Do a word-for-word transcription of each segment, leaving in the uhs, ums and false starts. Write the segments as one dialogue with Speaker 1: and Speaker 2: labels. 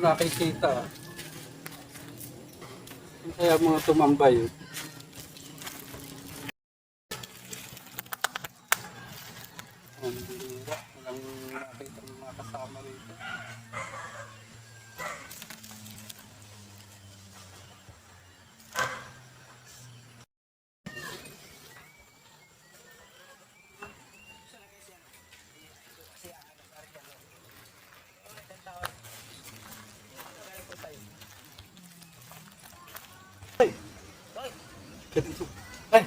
Speaker 1: nakikita. Kaya mga tumambay. Ang bihira. Walang nakita ng mga kasama rito. Ay!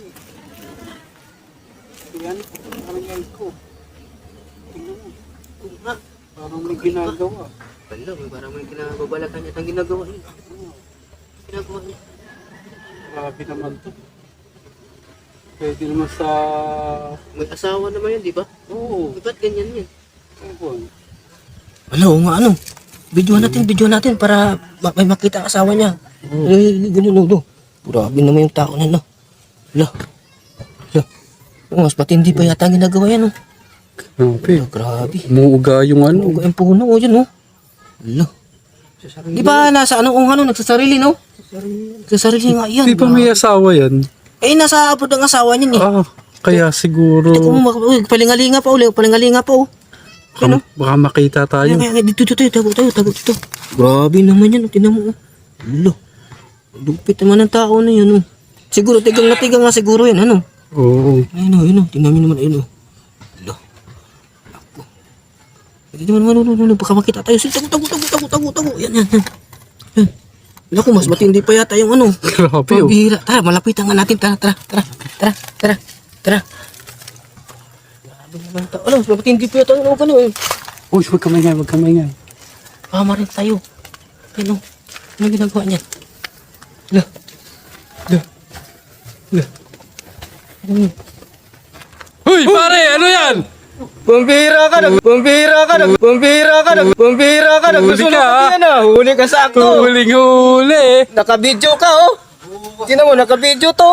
Speaker 1: Yan, parang yan ko. Tingnan mo.
Speaker 2: Ha?
Speaker 1: Parang may ginagawa.
Speaker 2: Wala, may parang may kinababalakan niya ang ginagawa niya.
Speaker 1: Oh,
Speaker 2: Ginagawa niya.
Speaker 1: grabe naman to. Pwede naman sa...
Speaker 2: May asawa naman yun, di ba?
Speaker 1: Oo,
Speaker 2: Eh, ba't ganyan yan?
Speaker 1: ewan.
Speaker 3: Ano, nga ano. Videohan natin, videohan natin para ma- may makita ang asawa niya. Eh, ganun, no, no. Grabe naman yung tao na, no. Hala. Hala. Oh, mas matindi pa yata ang ginagawa yan, no.
Speaker 1: Grabe.
Speaker 3: Hala, grabe.
Speaker 1: Umuuga yung ano.
Speaker 3: Ano, yung puno, oh, yun, no. Hala. Di ba nasa ano, kung ano, nagsasarili, no? Nagsasarili nga yan.
Speaker 1: Di ba may asawa yan?
Speaker 3: Eh, nasa abroad ang asawa niyan, eh.
Speaker 1: Ah, kaya siguro...
Speaker 3: Ito kung mak- uy, palingalinga pa, uli, palingalinga pa, oh.
Speaker 1: Baka, baka makita tayo.
Speaker 3: Ay, ay, ay, dito, dito, tago, tago, tago, dito. Grabe naman yan, oh. Tinan mo, oh. Hala. Lupit naman ang tao na yan, oh. Siguro, tigang na tigang nga siguro yan, ano?
Speaker 1: Oo.
Speaker 3: Ayun, oh, ayun, oh. Tingnan nyo naman, ayun, oh. Hala. Ako. Ito naman, ano, ano, ano, baka makita tayo. Sige, tago, tago, tago, tago, tago, tago. Yan, yan, yan. Yan. Naku, mas matindi pa yata yung ano.
Speaker 1: Grabe, oh.
Speaker 3: Pabihira. Tara, malapitan nga natin. Tara, tara, tara, tara, tara, tara. Grabe naman tao. Alam, mas matindi pa yata yung ano, ano, eh.
Speaker 1: Uy, huwag ka maingay, huwag ka maingay.
Speaker 3: Kama rin tayo. Ano? Ano ginagawa niya? Hala. Hala. Hala. Ano?
Speaker 1: Uy, pare, ano yan?
Speaker 2: Pambira ka na! Pambira ka na! Pambira ka na! Pambira ka na!
Speaker 1: Huli
Speaker 2: Gusto
Speaker 1: ka,
Speaker 2: mo
Speaker 1: ah.
Speaker 2: yan ah! Huli ka sakto!
Speaker 1: Huling huli.
Speaker 2: Nakabidyo ka oh! Tingnan mo, nakabidyo to!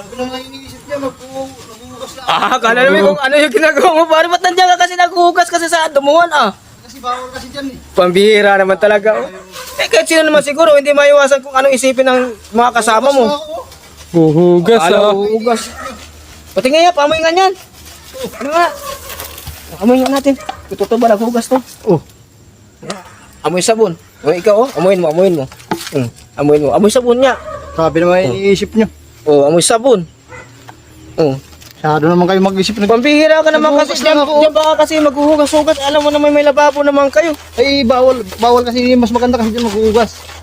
Speaker 2: Ah, kala namin kung ano yung ginagawa mo pare. Ba't nandiyan ka kasi naghuhugas kasi sa dumuhan ah? Kasi bawal kasi dyan eh. Pambihira naman talaga oh. Eh kahit sino naman siguro hindi maiwasan kung anong isipin ng mga kasama mo.
Speaker 1: Huhugas, ah.
Speaker 2: Akala huhugas. Pati nga yan, pamoy nga yan. Ano nga? Amoy nga natin. Ito ba naghugas to?
Speaker 1: Oh.
Speaker 2: Amoy sabon. O ikaw oh, amoyin mo, amoyin mo. Hmm, amoyin mo. Amoy sabon niya.
Speaker 4: Sabi naman iniisip nyo.
Speaker 2: Oh, amoy sabon. Oh.
Speaker 4: Masyado naman kayo mag-isip na.
Speaker 2: Pambihira ka naman kasi
Speaker 4: Naghuhugas
Speaker 2: diyan,
Speaker 4: lang ako.
Speaker 2: diyan baka kasi maghuhugas-hugas. Alam mo naman may lababo naman kayo.
Speaker 4: Ay, bawal, bawal kasi mas maganda kasi dyan maghuhugas.